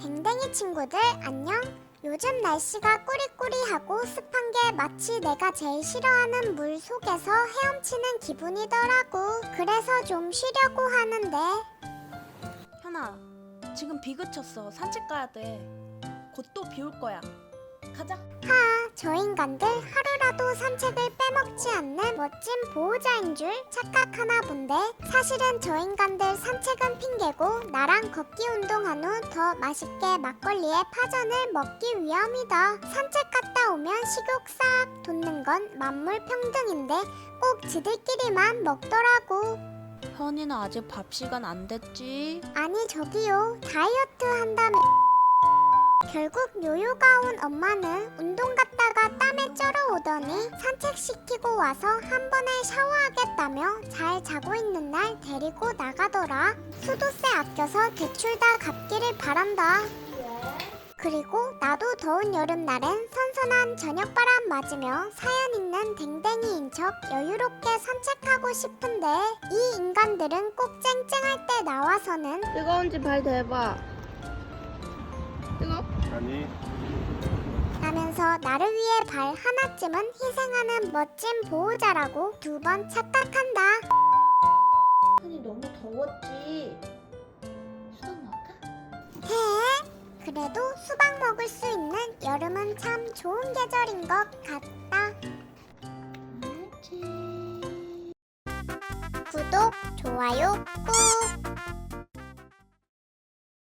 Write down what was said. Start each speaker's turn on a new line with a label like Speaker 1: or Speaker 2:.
Speaker 1: 댕댕이 친구들 안녕. 요즘 날씨가 꾸리꾸리하고 습한 게 마치 내가 제일 싫어하는 물 속에서 헤엄치는 기분이더라고. 그래서 좀 쉬려고 하는데.
Speaker 2: 현아, 지금 비 그쳤어. 산책 가야 돼. 곧 또 비 올 거야. 가자.
Speaker 1: 저 인간들 하루라도 산책을 빼먹지 않는 멋진 보호자인 줄 착각하나 본데, 사실은 저 인간들 산책은 핑계고 나랑 걷기 운동한 후 더 맛있게 막걸리에 파전을 먹기 위함이다. 산책 갔다 오면 식욕 싹 돋는 건 만물 평등인데 꼭 지들끼리만 먹더라고.
Speaker 2: 현이는 아직 밥 시간 안 됐지?
Speaker 1: 아니 저기요, 다이어트 한다며. 결국 요요가 온 엄마는 운동 갔다가 땀에 쩔어 오더니 산책시키고 와서 한 번에 샤워하겠다며 잘 자고 있는 날 데리고 나가더라. 수도세 아껴서 대출 다 갚기를 바란다. 그리고 나도 더운 여름날엔 선선한 저녁바람 맞으며 사연 있는 댕댕이인 척 여유롭게 산책하고 싶은데, 이 인간들은 꼭 쨍쨍할 때 나와서는
Speaker 2: 뜨거운지 발 대봐. 뜨거?
Speaker 3: 아니,
Speaker 1: 라면서 나를 위해 발 하나쯤은 희생하는 멋진 보호자라고 두 번 착각한다.
Speaker 2: 현이 너무 더웠지? 수박 먹을까?
Speaker 1: 해? 그래도 수박 먹을 수 있는 여름은 참 좋은 계절인 것 같다.
Speaker 2: 알지.
Speaker 1: 구독, 좋아요 꾹!